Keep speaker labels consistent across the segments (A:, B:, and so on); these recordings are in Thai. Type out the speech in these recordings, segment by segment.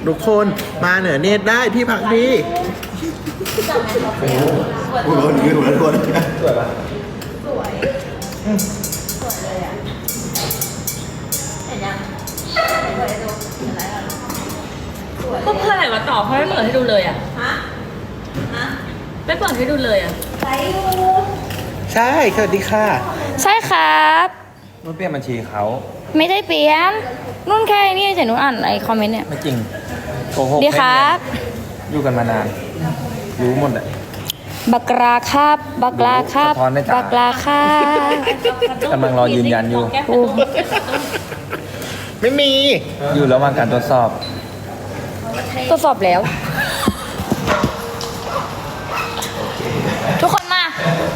A: ทุกคนมาเหนือเนตรได้ที่พักดีโอ้โหยืนหัวทุกคนสวยปะสวยเลยอ่ะเห็นยังเปิดให้ดู
B: ก็เพื่ออะไรมาตอบเพราะไม่เปิดให้ดูเลยอ่ะไม่เปิดให้ดูเลยอ่ะ
A: ใช่สวัสดีค่ะ
C: ใช่ครับ
D: นุ่นเปลี่ยนบัญชีเขา
C: ไม่ได้เปลี่ยนนุ่นแค่นี่แต่นุ่นอ่านไอ้คอมเมนต์เนี่ย
D: ไม่จริงโกหก
C: ดีครับ
D: อยู่กันมานานรู้หมดแหละ
C: บักราครับบักราครับ
D: สะท้อนได้จ้ะ
C: บักราครับ
D: กำลังรอยืนยันอยู่
C: โอ้
A: ไม่มี
D: อยู่ระหว่างการตรวจสอบ
C: ทดสอบแล้ว ทุกคนมา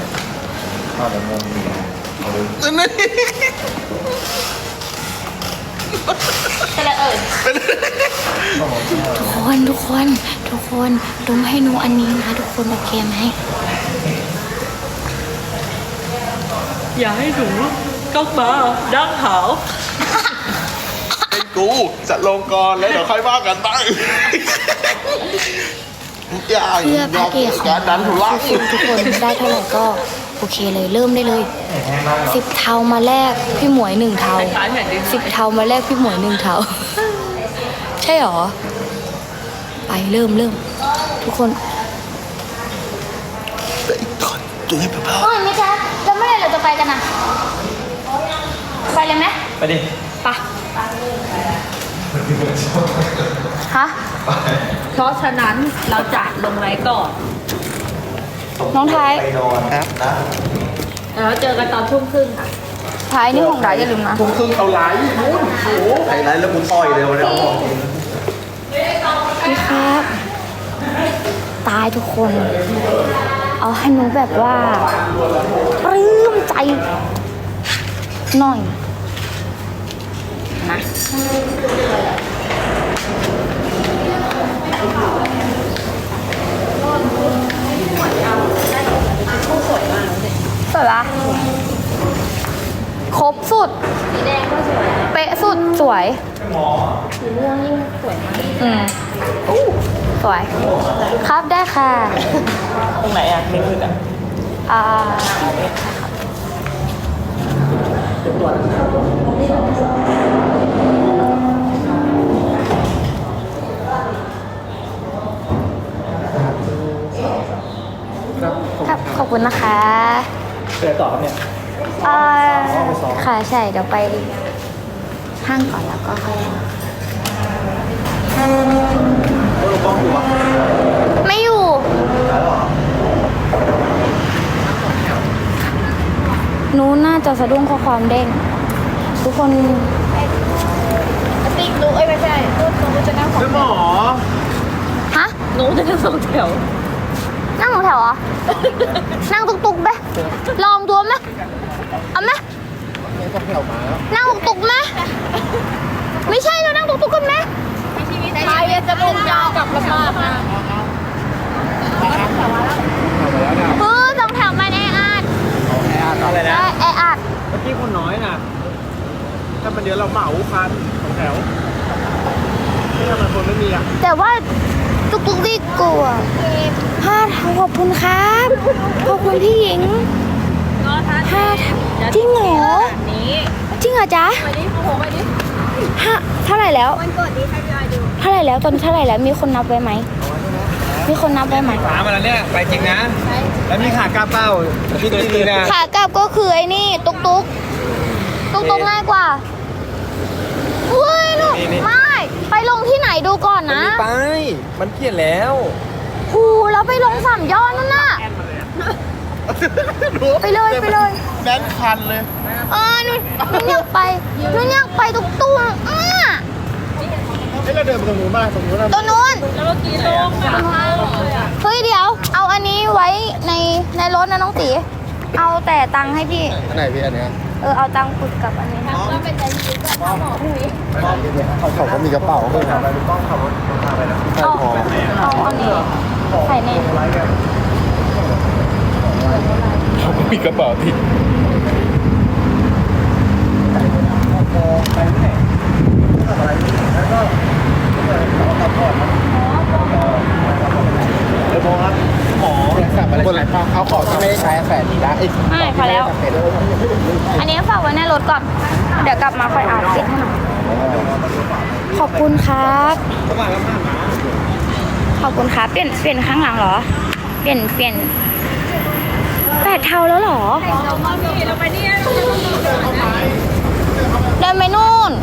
C: ทุกคนดุมให้หนูอันนี้นะทุกคนโอเคไหม
B: อย่าให้หนูก็มาดังหาว
A: ไอ้กูจะลงก่อนแล้วเดี๋ยวค่อยว่ากันไปอย่า
C: เพื่อพระเอกของ
A: การดันทุลัก
C: ทุกคนได้เท่าไหร่ก็โอเคเลยเริ่มได้เลย10 เทามาแลกพี่หมวย1 เทา10 เทามาแลกพี่หมวย1 เทาใช่หรอไปเริ่มทุกคน
A: จุดให้เปล่า
C: โอ้ยไม่ใช่แล้วเมื่อไหร่เราจะไปกันนะไปเลยไหม
D: ไปดิ
C: ไปฮะ
B: เพราะฉะนั้นเราจะลงไลฟ์ก่อน
C: น้องไทย
D: ไปนอนครับนะ
B: แล้วเจอกันตอนทุ่มครึ่งค่ะ
C: ไทยนี่ของไทยอย่าลืมนะ
A: ทุ่มครึ่งเอาไลฟ์นู้นโอ้โหไฮไลท์แล้วกูต่อยเลยวันนี้
C: พี่ครับ ตายทุกคน เอาให้หนูแบบว่าปลื้มใจหน่อยนะสวยปะครบสุดสีแดงก็สวยเป๊ะสุดสวยสีม่วงยิ่งสวยมากสวยครับได้ค่ะ
D: ตรงไหนอ่ะไม่ขึ้นอ่ะ
C: ครับขอบคุณนะคะ
D: เกิดต่อครับเนี่ย
C: ค่ะใช่เดี๋ยวไปห้างก่อนแล้วก็ค่อยไม่อยู่หนูน่าจะสะดุ้งข้อความเด้งทุกคนติ๊กดูไม่ใช่หนูจะนั่งของ
A: หมอ
C: ฮะ
B: หนูจะนั่งสองแถว
C: นั่งของแถวเหรอ นั่งตุกๆไหมลองตัวไหมเอาไหมนั่งตุกๆไหมไม่ใช่เรานั่งตุกๆกันไหมใครจะลงยาวกับลำบากนะสองแถวมันแออัด
D: อะไรนะ
C: แออัด
D: เมื่อกี้คนน้อยนะถ้ามันเดี๋ยวเราเหมาคันของแถวที่ทำไมคนไม่มีอ่ะ
C: แต่ว่าตุกๆดีกว่าขอบคุณครับขอบคุณพี่หญิงจริงเหรอจริงเหรอจ๊ะเท่าไหร่แล้วเท่าไหร่แล้วตอนนี้เท่าไหร่แล้วมีคนนับไว้ไหมมีคนนับไว้ไหม
D: ฟ้ามาแล้วเนี่ยไปจริงนะแล้วมีขากาเป้าที่ดีๆนะ
C: ขากลับก็คือไอ้นี่ตุกง่ายกว่าอุ้ยลูกไม่ไปลงที่ไหนดูก่อนนะ
D: ไปมันเปลี่ยนแล้ว
C: หูแล้วไปลงสามยอดนั่นน่ะไปเลย
A: แบงค์พันเลย
C: นุ่นอยากไปตุกตุ้ง
A: เราเดินไปตรงนู้นบ้างตรงนู้น
C: ตัวนู้น
B: แล้วเมื่อกี้ลงอ่ะ
C: เฮ้ยเดี๋ยว เอาอันนี้ไว้ในรถนะน้องตีเอาแต่ตังค์ให้พี่
A: อันไหนพี่อันเนี้ย
C: เอาตังค์ปึกกับอันนี้นะ
A: เขาก็มีกระเป๋าเพื่อน
C: เอาอันนี้ใส่ใน
A: เขาก็มีกระเป๋าที่
D: ไปไหนทำอะไรแล้วก็
C: พอแล้ว อันนี้ฝากไว้ในรถก่อน เดี๋ยวกลับมาค่อยอ่านปิดให้หน่อยขอบคุณครับ ขอบคุณครับ เปลี่ยนข้างหลังเหรอ เปลี่ยน8 เทาแล้วเหรอ
B: เราไปนี่
C: เดินไปนู่น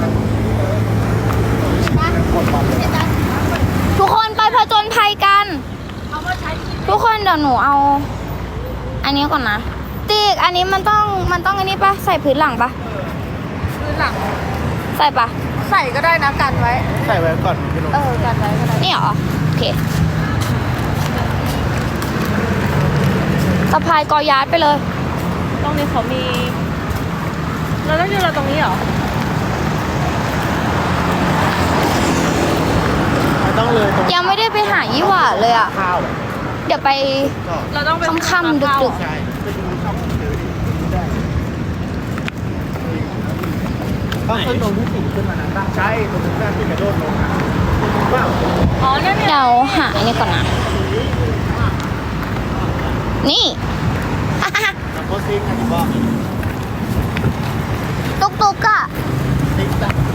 C: ทุกคนไปผจญภัยกัน ทุกคนเดี๋ยวหนูเอา อันนี้ก่อนนะติ๊กอันนี้มันต้องอันนี้ปะใส่พื้นหลังปะ
A: พื้นหลัง
C: ใส่ปะ
A: ใส่ก็ได้นะกันไว้
D: ใส่ไว้ก่อนพี่นุ๊ก
A: กันไว้ก็ได้
C: นี่เหรอ โอเคสะพายกอยาร์ดไปเลย
B: ตรงนี้เขามี เราต้องยืนเราตรงนี้เหรอ
D: ไม่ต้องเลยตรง
C: ยังไม่ได้ไปหายี่หว่าเลยอ่ะ
D: ข้าว
C: เดี๋ยวไป
B: เราต้องไป
C: ค่ำๆดึกๆ
D: ใช่ไปดูช่องเจอดิต้องขึ้นตรงที่4ขึ้นมานั้นใช่ตรงนั้นที่กระโดดลงนะว้าว
B: อ๋อนั่นเนี่ย
C: เดี๋ยวหาอันนี้ก่อนนะ นี่
D: โพสซิ่งอันนี้บอก
C: ตุ๊กอะ
D: ติ๊กตัก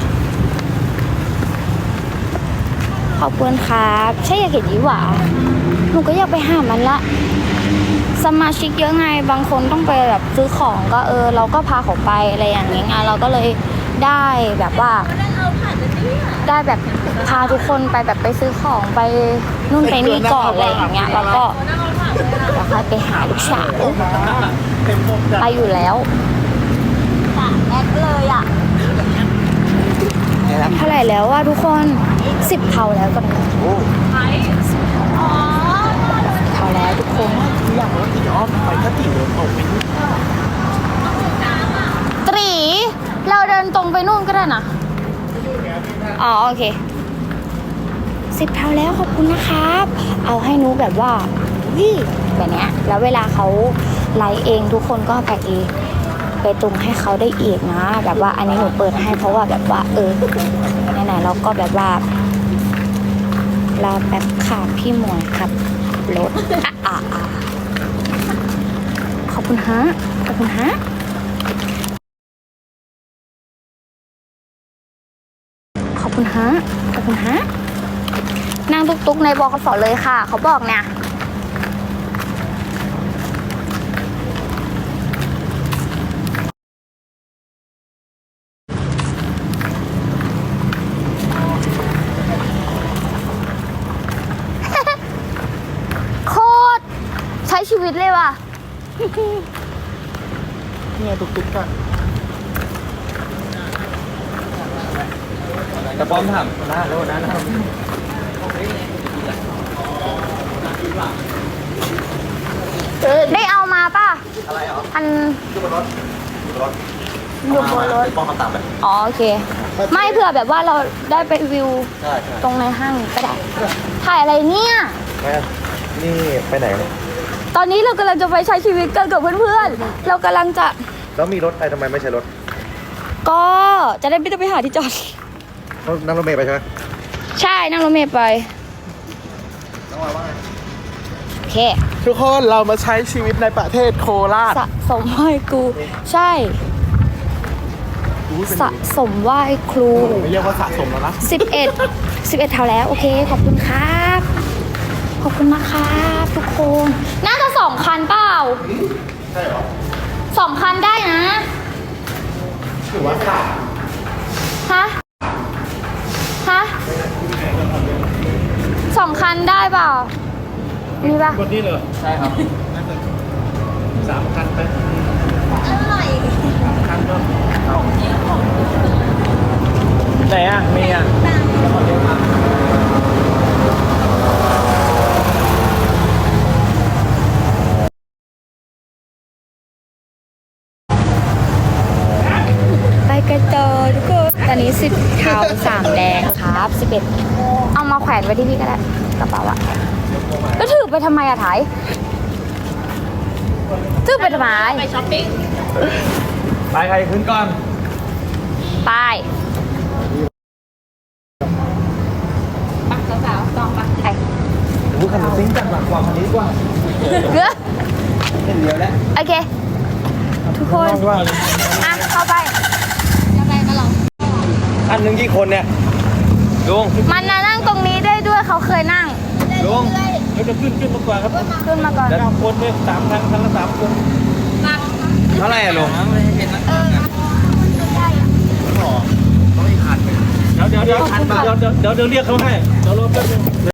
C: ขอบคุณครับ ใช่อยากเห็นยี่หว่าหนูก็อยากไปหามันละ สมาชิกเยอะไง บางคนต้องไปแบบซื้อของก็เราก็พาเขาไปอะไรอย่างเงี้ยไงเราก็เลยได้แบบว่า ได้แบบพาทุกคนไปแบบไปซื้อของไปนู่นไปนี่ก่อนอะไรอย่างเงี้ยแล้วก็แล้วค่อยไปหาลูกสาว
D: เต็มหมดจ้ะ
C: ไปอยู่แล้วแอดเลยอ่ะเท่าไหร่แล้วว่าทุกคน10 เท่าแล้วกัน
D: โอ้
C: เท่าแล้วทุกคน
D: อย่างว่าตีอ้อมไปถ้าตีเดินออกไปนี่
C: ตรีเราเดินตรงไปนู่นก็ได้นะอ๋อโอเค10 เท่าแล้วขอบคุณนะครับ เอาให้หนูแบบว่าวิแบบเนี้ยแล้วเวลาเขาไลฟ์เองทุกคนก็ไปตรงให้เขาได้อีกนะ แบบว่าอันนี้หนูเปิดให้เพราะว่าแบบว่าไหนๆเราก็แบบว่าเราแบบขาพี่หมวยครับรถขอบคุณฮะขอบคุณฮะขอบคุณฮะขอบคุณฮะนั่งตุ๊กๆในบขสเลยค่ะเขาบอกเนี่ยโคตรใช้ชีวิตเลยว่ะ
D: เนี่ยตุ๊กๆกันแต่ป้อมถามหน้าโลดนะ
C: ได้เอามาป่ะ
D: อะไรเหรอ
C: อัน
D: อยู่บนรถอยู่บนรถ
C: อยู่บนรถ
D: ป้อมคำตามไป
C: อ๋อโอเค ไม่เผื่อแบบว่าเราได้ไปวิว
D: ใช่ใช่
C: ตรงในห้างก็ได้ ถ่ายอะไรเนี่ย
D: แม่นี่ไปไหนเนี่ย
C: ตอนนี้เรากำลังจะไปใช้ชีวิตกันกับเพื่อนๆ เรากำลังจะ
D: แล้วมีรถไอ้ทำไมไม่ใช่รถ
C: ก็จะได้ไม่ต้องไปหาที่จอด
D: เขานั่งรถเมล์ไปใช่ไหม
C: ใช่นั่งรถเมล์ไป
D: น้องวาว่าไง
C: โอเค
D: ทุกคนเรามาใช้ชีวิตในประเทศโคราช
C: สะสมไหว้ครู ใช่ สะสมไหว้ครู
D: ไม่เรียกว่าสะสมแล้วนะ
C: 11 เท่าแล้ว โอเค ขอบคุณครับ ขอบคุณนะครับทุกคน น่าจะ2 คันเปล่า
D: ใช่เหรอ
C: 2 คันได้นะ
D: ถือว่าสะ
C: ฮะ 2 คันได้เปล่า มีป่ะ
D: คนนี้เลยใช่ครับ3 คันไปคันก็ไหนอ่ะมีอ่ะ
C: ไปกันต่อทุกคน ตอนนี้10 เทา3 แดงครับ 11 เอามาแขวนไว้ที่พี่ก็ได้กระเป๋าอะแล้วถือไปทำไมอะถ่ายถือไปทำไม
B: ไปช้อปปิ้ง
D: ไปใครขึ้นก่อน
C: ไป
B: สาวๆต้องปะ
C: ไป
D: ดูคันซิ่งจังหวะกว่าคันนี้ดีกว่า
C: เกลือ
D: เห็นเดียวแล้ว
C: โอเคทุกคน
D: ว่า
C: อ่ะ เข้าไปยังไงมาลอง
D: อันหนึ่งกี่คนเนี่ยลุง
C: มันน่ะนั่งตรงนี้ได้ด้วยเขาเคยนั่ง
D: ลุงเราจะขึ้นมาก่อนครับ
C: ขึ้นมาก่อน
D: แล้วคนเนี่ย3 ครั้งละ 3 คนเท่าไหร่อะลุงเดี๋ยวเรียกเขาให้เดี๋ยวรอแป๊บนึง